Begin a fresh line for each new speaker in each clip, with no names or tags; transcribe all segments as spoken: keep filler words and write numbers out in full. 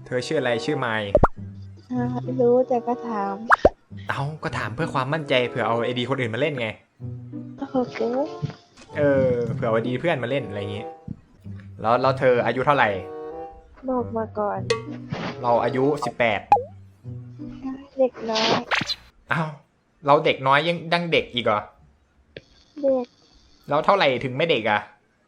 เธอชื่ออะไรชื่อไมค์
อ่ารู้แต่ก็ถาม
เอาก็ถามเพื่อความมั่นใจเผื่อเอาไอดีคนอื่นมาเล่นไง
โอเค
เออเผื่อเอาไอดีเพื่อนมาเล่นอะไรอย่างงี้แล้วแล้วเธออายุเท่าไหร่
บอกมาก่อน
เราอายุสิบแปด
เด็กน้อย
อ้าวเราเด็กน้อยยังดังเด็กอีกเหรอ
เด็ก
แล้วเท่าไหร่ถึงไม่เด็กอ่ะ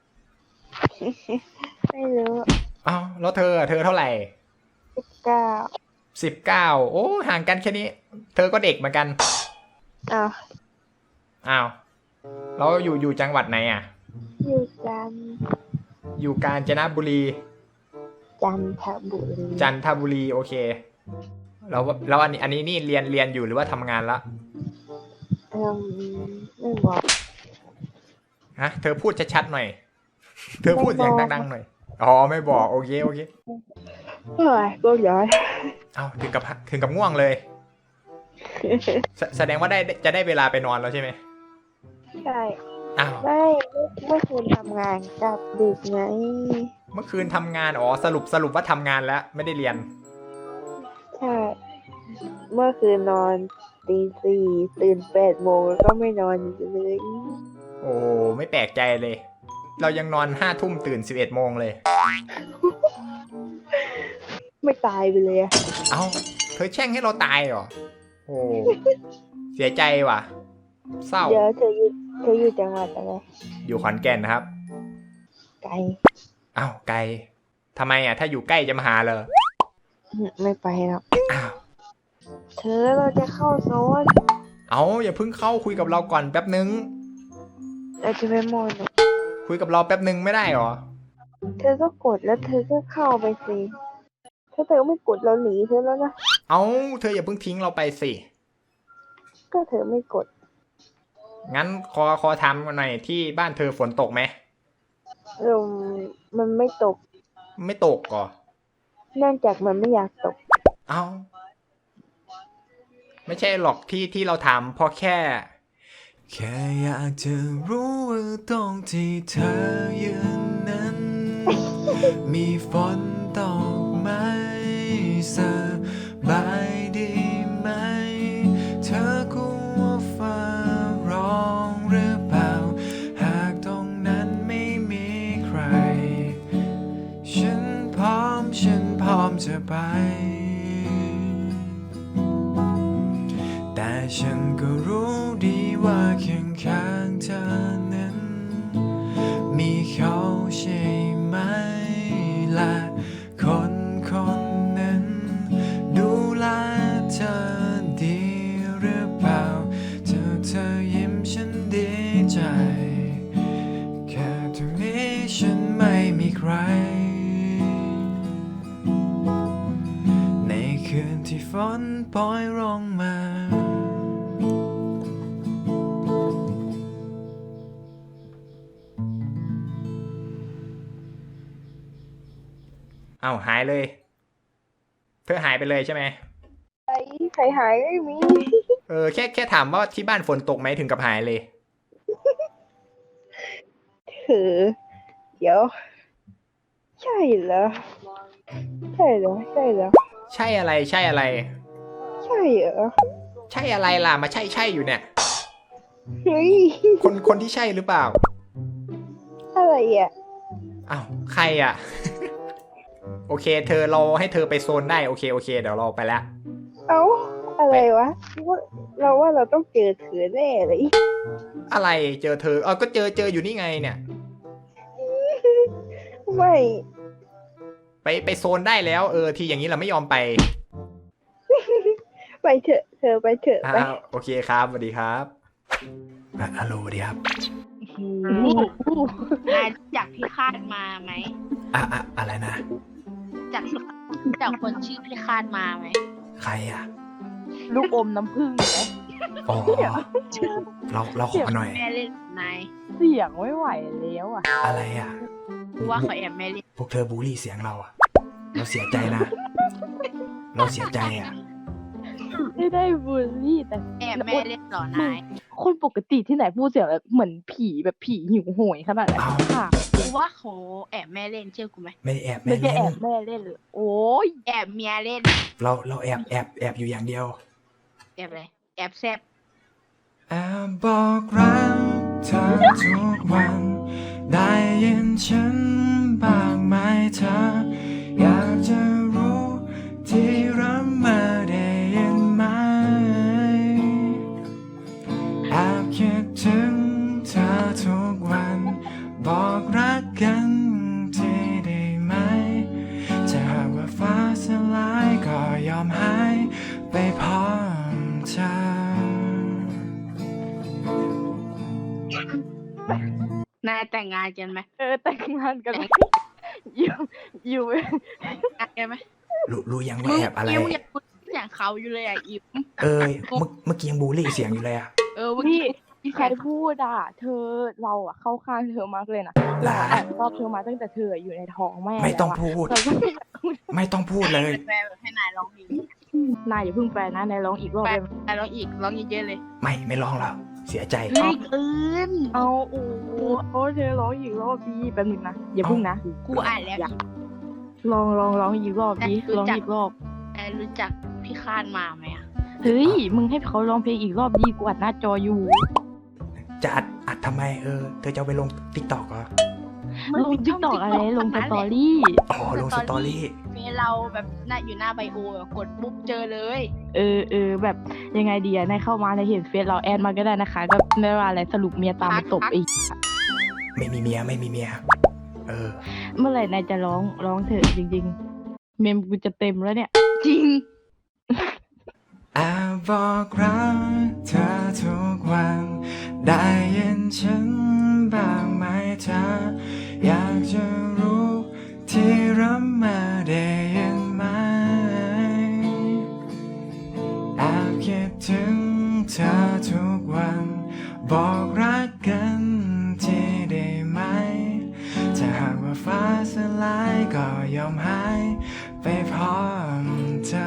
ไม่รู้
อ้าวแล้วเธอเธอเท่าไหร่
สิบเก้า
สิบเก้าโอ้ห่างกันแค่นี้เธอก็เด็กเหมือนกัน
อ้าว
อ้าวเราอยู่อยู่จังหวัดไหนอ่ะ
อยู่จันทร์
อยู่กาญจนบุรี
จันทบุรี
จันทบุรีโอเคแล้วแล้วอันนี้อันนี้นี่เรียนเรียนอยู่หรือว่าทำงานละ
เอืมไม่บอก
ฮะเธอพูดชัดๆหน่อยเธอพูดเสียงดังๆหน่อยอ๋อไม่บอกโอเคโอเค
เฮ้ยพวกย้อย
เอาถึงกับถึงกับง่วงเลยแสแสดงว่าได้จะได้เวลาไปนอนแล้วใช่ไหม
ใช่
อ้าว
ไม่เมื่อคืนทำงานกับดึกไง
เมื่อคืนทำงานอ๋อสรุปสรุปว่าทำงานแล้วไม่ได้เรียน
ใช่เมื่อคืนนอนตีสี่ตื่นแปดโมงแล้วก็ไม่นอนอีกเลย
โอ้ไม่แปลกใจเลยเรายังนอนห้าทุ่มตื่นสิบเอ็ดโมงเลย
ไม่ตายไปเลยอะ
เอ้าเธอแช่งให้เราตายเหรอโอ้เสียใจว่ะเศร้า
เดี๋ยวเธออยู่เธออยู่จังหวัดอะไร
อยู่ขอนแก่นนะครับ
ไกล
อ้าวไกลทำไมอ่ะถ้าอยู่ใกล้จะมาหาเลย
ไม่ไปหรอก
อ้าว
เธอเราจะเข้าโซน
เอาอย่าเพิ่งเข้าคุยกับเราก่อนแป๊บนึง
เราจะไปมอน
คุยกับเราแป๊บนึงไม่ได้หรอ
เธอก็กดแล้วเธอก็เข้าไปสิถ้าเธอไม่กดเราหนีเธอแล้วนะ
เอาเธออย่าเพิ่งทิ้งเราไปสิ
ก็เธอไม่กด
งั้นขอขอถามหน่อยที่บ้านเธอฝนตกไหม
ลมมันไม่ตก
ไม่ตกก่อ
เนื่องจากมันไม่อยากตก
เอาไม่ใช่หรอกที่ที่เราถามเพราะแค่แค่อยากจะรู้ว่าตรงที่เธอยืนนั้นมีฝนตกไหมสบายดีไหมเธอกลัวฟ้าร้องหรือเปล่าหากตรงนั้นไม่มีใครฉันพร้อมฉันพร้อมจะไปแต่ฉันก็รู้ดีว่าเคียงข้างเธอนั้นมีเขาใช่ไหมและคนคนนั้นดูแลเธอดีหรือเปล่าเธอเธอยิ้มฉันดีใจแค่ตรงนี้ฉันไม่มีใครในคืนที่ฝนโปรยลงมาเอ้าหายเลยเธอหายไปเลยใช่ไหม
ใครใครหายไม่มี
เออแค่แค่ถามว่าที่บ้านฝนตกไหมถึงกับหายเลย
เธอเดี๋ยวใช่เหรอใช่เหรอใช่เหรอ
ใช่อะไรใช่อะไร
ใช่เหรอ
ใช่อะไรล่ะมาใช่ใช่อยู่เนี่ย
เฮ้ย
คนคนที่ใช่หรือเปล่า
อะไรอ่ะ
อ้าวใครอ่ะ โอเคเธอเราให้เธอไปโซนได้โอเคโอเคเดี๋ยวเราไปแล้ว
เอ้าอะไรวะว่าเราว่าเราต้องเจอเธอแน่เลย
อะไรเจอเธอเออก็เจอเจออยู่นี่ไงเนี่ย
ไม่
ไปไปโซนได้แล้วเออทีอย่างนี้เราไม่ยอมไป
ไปเถอะเธอไปเถอะไป
โอเคครับสวัสดีครับฮัลโหลสวัสดีครับ
นายจากพี่คาดมาไหม
อ่ะอะอะไรนะ
จากจากคนชื่อพี่คาดมาไหม
ใครอ่ะ
ลูกอมน้ำผึ้งไหม
อ๋อเราเราขอหน่อย
แม่เล่นนาย
เสียงไม่ไหวแล้วอ่ะ
อะไรอ่ะ
ว่าเขาแอบแม่เล่น
พวกเธอบูลลี่เสียงเราอ่ะเราเสียใจนะเราเสียใจอ่ะ
ไม่ได้บูลลี่แต่
แอบแม่เล่นหรอนาย
คนปกติที่ไหนพูดเสียงแบบเหมือนผีแบบผีหิวโหยขนาดนั้นค่ะ
กูว่าเขาแอบแม่เล่นเชื่อกูไหม
ไม่ได้แอบ
ไม่
แม่
ใช่
เล่
แอน บแม่เล่นเลยโอ้ย
แอบเมียเล่น
เราเราแอบแอบแอบอยู่อย่างเดียว
แอบอะไรแอบแซบ
แอบบอกรักเธอทุกวัน ได้ยินฉันบ้างไหมเธอ อยากจะรู้ที่รักมาได้ยินไหมแอบคิดถึงเธอทุกวัน บอกรักกันทีได้ไหมจะหากว่าฟ้าสลายก็ยอมหายไปพร้อมเธอ
นายแต่งงานกันไหม
เออแต่งงานกันอยู่อยู่
แต่งงานกันไหม
รู้รู้ยังว่าแอบอะไร
มึงยังพูดอย่างเขาอยู่เลยอ่ะอิม
เอ้ยเมื่อเมื่อกี้ยังบูลลี่เสียงอยู่เลยอะ
เออเมื่อ
นี่
กี้
ใครพูดอ่ะ เธอเราอ่ะเข้าข้างเธอมากเลยนะ
หลา
เราแอบชอบเธอมาตั้งแต่เธออยู่ในท้องแม่
ไม่ต้อง
แล้วะ
พูด
เราก็ไม่อยากพูด
ไม่ต้องพูดเลย
เป็นแฟนแบบให้นายร้องเพลง
นายอย่าเพิ่งแปลนะนายร้องอีกรอบ
แฟ
ได้
น
ไหม
นายร้องอีกร้องเยอะๆเลย
ไม่ไม่ร้องแล้วเสียใจ
เฮ้ยเกิน
เอาโอ้โหโอ้เธอร้องอีกรอบดีแป๊บนึงนะอย่าเพิ่งนะ
กูอ่านแล้วอีก
ลองลองร้องอีกรอบดิ
รู้
ร้อง
จัก
อีกรอบ
นายรู้จักพี่คาดมาไหมอ่ะ
เฮ้ยมึงให้เขาร้องเพลงอีกรอบดีกูอัดหน้าจออยู่
จะอัดอัดทำไมเออ เธอจะเอาไปลงติ๊กต็อกเหรอ
ลงทิกตอกอะไรลงสตอรี่
อ๋อลงสตอรี่
เมเราแบบน่าอยู่หน้าไบโออะกดปุ๊บเจอเลย
เออเออแบบยังไงดีอะนายเข้ามาในเห็นเฟซเราแอดมาก็ได้นะคะ ก็ไม่ว่าอะไรสรุปเมียตามมาตบอีก
ไม่มีเมียไม่มีเมีย เออ
เมื่อไหร่นายจะร้องร้องเถอะจริงๆ เมมกูจะเต็มแล้วเนี่ย
จริง
แอบบอกรักเธอทุกวัน ได้ยินฉันบ้างไหมเธอ อยากจะรู้ที่รักมาได้ยินไหมแอบคิดถึงเธอทุกวัน บอกรักกันทีได้ไหมถ้าหากว่าฟ้าสลายก็ยอมหายไปพร้อมเธอ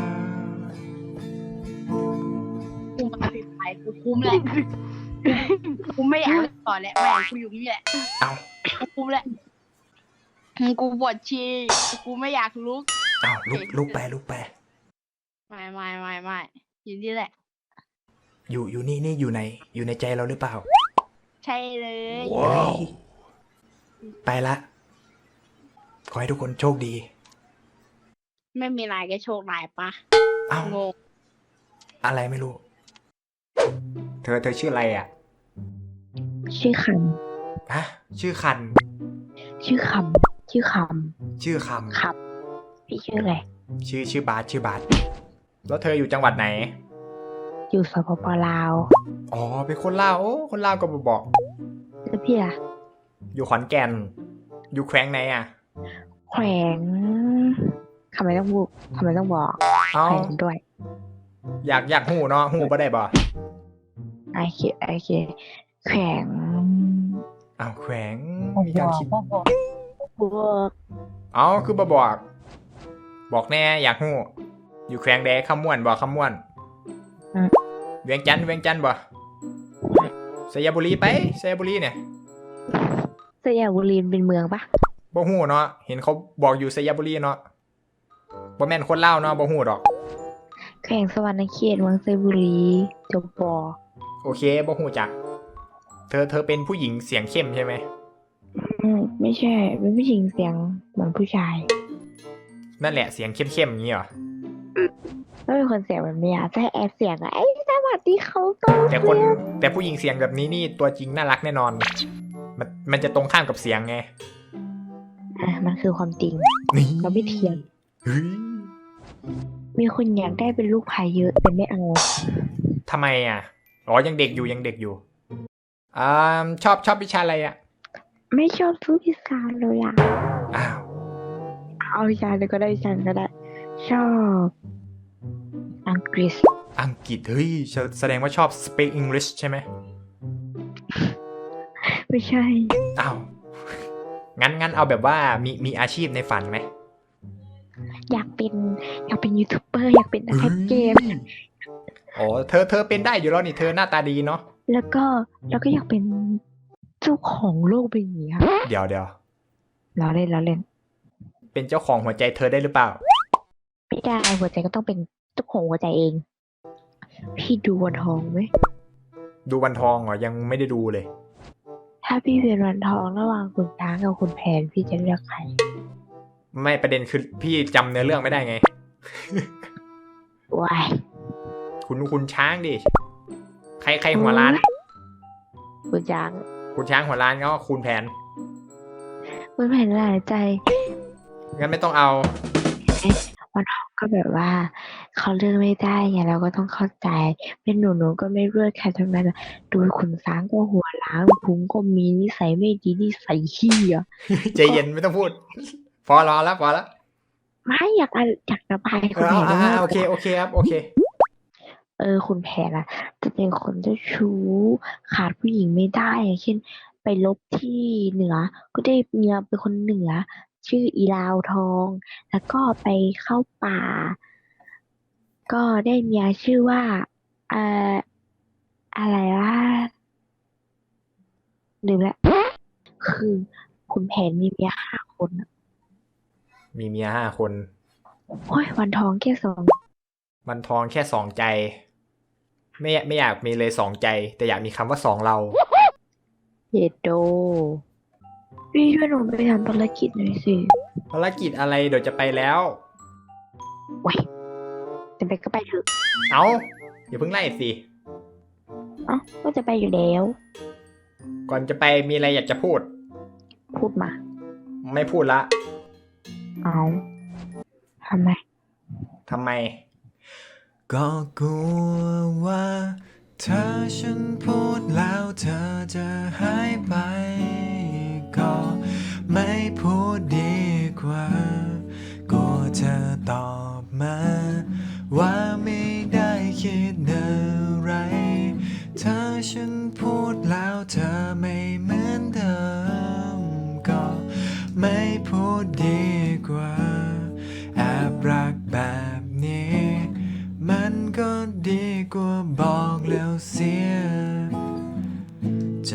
กูมาปิดไฟกูคุ้มแหละกูไม่อยากเล่นต่อแล้วไม่อยากกูอยู่นี่แหละ
เอา
กูคุ้มแหละกูปวดชีกูไม่อยากลุก
เอาลุกลุกไปลุกไป
ไม่ไม่ไม่ไม่อยู่นี่แหละ
อยู่อยู่นี่นี่อยู่ในอยู่ในใจเราหรือเปล่า
ใช่เลย
ว้าวไปละ ขอให้ทุกคนโชคดี
ไม่มีนายก็โชคนายปะ
เอ้าง
ง
อะไรไม่รู้ เธอเธอชื่ออะไรอ่ะ
ชื่อค
ฮะชื่อคัน
ำชื่อคำชื่อค
ชื่อค
ำครับ พี่ชื่ออะไร
ำชื่อชื่อบาสชื่อบาสแล้วเธออยู่จังหวัดไหน
อยู่สปปลาว
อ๋อเป็นคนลาวโอ้คนลาวก็บบอก
แล้วพี่ล่ะ
อยู่ขอนแก่น อยู่แขวงไหนอ่ะ
แขวงทำไมต้องพูดทำไมต้องบอก
เอ้า
แขวงด้วย
อยากอยากหูเนาะหูบ่ได้บ่
โอเคโอเคแขวง
อ้าวแขวงมีการคิด
บอกบอก
เอ้าคือบ่บอก บอกแน่อยากหูอยู่แขวงแดคำม่วนบ่คำม่วนเวียงจันทน์เวียงจันทน์บ่สยบุรีไปสยบุรีเนี่ย
สยามบุรีเป็นเมืองปะ
บ่ฮู้เนาะเห็นเขาบอกอยู่สยบุรีเนาะบ่แม่นคนลาวเนาะบ่ฮู้ดอก
แขวงสวรรณเขตเมืองสยบุรีจบปอ
โอเคบ่ฮู้จัก เธอเธอเป็นผู้หญิงเสียงเข้มใช่ไหม
อืมไม่ใช่เป็นผู้หญิงเสียงเหมือนผู้ชาย
นั่นแหละเสียงเข้มๆอย่างนี้เหรอ
ไม่เป็นคนเสียงแบบนี้อ่ะจะแอบเสียงอะไอ้สวัสดีเขาต้อง
แต่คนแต่ผู้หญิงเสียงแบบนี้นี่ตัวจริงน่ารักแน่นอน มันมันจะตรงข้ามกับเสียงไง
อ่ะมันคือความจริง
นี่
เราไม่เถียง
เฮ้ย
มีคนอยากได้เป็นลูกพายเยอะแต่ไม่เอา
ทำไมอ่ะอ๋อยังเด็กอยู่ยังเด็กอยู่อ่าชอบชอบวิชาอะไรอ่ะ
ไม่ชอบทุกวิชาเลยอ่ะ
อ้าว
เอาวิชาเลยก็ได้วิชาก็ได้ ชอบ อังกฤษ
อังกฤษเฮ้ยแสแสดงว่าชอบ speak English ใช่ไหม
ไม่ใช่
อ้าวงั้นงั้นเอาแบบว่ามีมีอาชีพในฝันไหม
อยากเป็นอยากเป็นยูทูบเบอร์อยากเป็นนักแคสเกม
อ๋อเธอเธอเป็นได้อยู่แล้วนี่เธอหน้าตาดีเนาะ
แล้วก็แล้วก็อยากเป็นเจ้าของโลกใบนี้ครับ
เดี๋ยวเดี๋ยว
เราเล่นเราเล่น
เป็นเจ้าของหัวใจเธอได้หรือเปล่า
ไม่ได้หัวใจก็ต้องเป็นเจ้าของหัวใจเอง พี่ดูวันทองไหม
ดูวันทองเหรอยังไม่ได้ดูเลย
ถ้าพี่เป็นวันทองระหว่างคุณช้างกับคุณแผนพี่จะเลือกใคร
ไม่ประเด็นคือพี่จำเนื้อเรื่องไม่ได้ไง
ว้าย
คุณคุณช้างดิใครใครหัวล้าน
คุณช้าง
คุณช้างหัวล้านก็คุณแผน
คุณแผนหลายใจ
งั้นไม่ต้องเอา
วันทองก็แบบว่าเขาเลือกไม่ได้ไงเราก็ต้องเข้าใจเป็นหนูหนูก็ไม่เลือกใครทั้งนั้นอะดูคุณช้างก็หัวล้างพุงก็มีนิสัยไม่ดีนิสัยขี้อ่ะ
ใจเย็นไม่ต้องพูด พอรอแล้วพอแล้ว
ไม่อยากอะอยากระบาย
เอ
คุณ
อ
แผน
อ่า
ว่า
โอเคโอเคครับโอเค
เออคุณแผนอะจะเป็นคนเจ้าชู้ขาดผู้หญิงไม่ได้อย่างเช่น ไปลบที่เหนือ ก็ได้เมียเป็นคนเหนือ ชื่ออีลาวทอง แล้วก็ไปเข้าป่า ก็ได้เมียชื่อว่าเอ่ออะไรวะลืมละคือคุณแผนมีเมียห้าคนอะ
มีเมียห้าคน
โอ้ยวันทองแค่สอง
มันทองแค่สองใจ ไม่ไม่อยากมีเลยสองใจ แต่อยากมีคำว่าสองเรา
เยดโดพี่ช่วยหนูไปทำภารกิจหน่อยสิ
ภารกิจอะไรเดี๋ยวจะไปแล้ว
โอ้ยจะไปก็ไปเถอะ
เอาอย่าเพิ่งไล่สิ
เอ้าก็จะไปอยู่แล้ว
ก่อนจะไปมีอะไรอยากจะพูด
พูดมา
ไม่พูดละ
เอาทำไม
ทำไม ก็กลัวว่าถ้าฉันพูดแล้วเธอจะหายไป ก็ไม่พูดดีกว่ากลัวเธอตอบมา ว่าไม่ได้คิดอะไร ถ้าฉันพูดแล้วเธอไม่เหมือนเดิม ก็ไม่พูดดีกว่าแอบรักแบบนี้ มันก็ดีกว่าบอกแล้วเสียใจ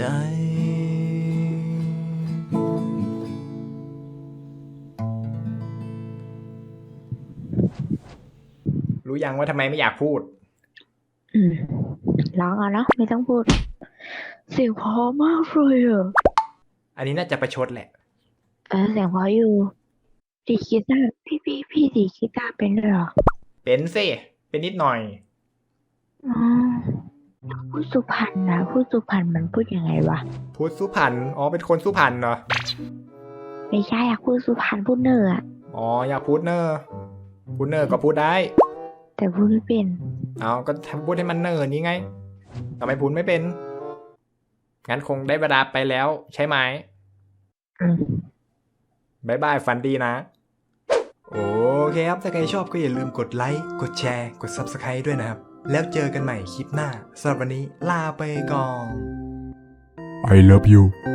รู้ยังว่าทำไมไม่อยากพูด
อืมร้องเอาเนาะไม่ต้องพูด เสียงเพราะมากเลยอ่ะ
อันนี้น่าจะประชดแหละ
เออเสียงเพราะอยู่ดีดกีตาร์พี่พี่พี่ดีดกีตาร์เป็นด้วยเหรอ
เป็นสิเป็นนิดหน่อย
อ๋อพูดสุพรรณนะพูดสุพรรณมันพูดยังไงวะ
พูดสุพรรณ อ๋อ เป็นคนสุพรรณเนาะ
ไม่ใช่อยากพูดสุพรรณพูดเนอร์อะ
อ๋อ อยากพูดเนอร์พูดเนอร์ก็พูดได้
แต่พูดไม่เป็น
เอาก็ทำพูดให้มันเนอร์นี้ไงทำไมพูดไม่เป็น งั้นคงได้เวลาไปแล้วใช่ไหม
อืม
บายบายฝันดีนะ โอเคครับ ถ้าใครชอบก็อย่าลืมกดไลค์ กดแชร์ กด ซับสไครบ์ ด้วยนะครับ แล้วเจอกันใหม่คลิปหน้าสำหรับวันนี้ลาไปก่อน
I love you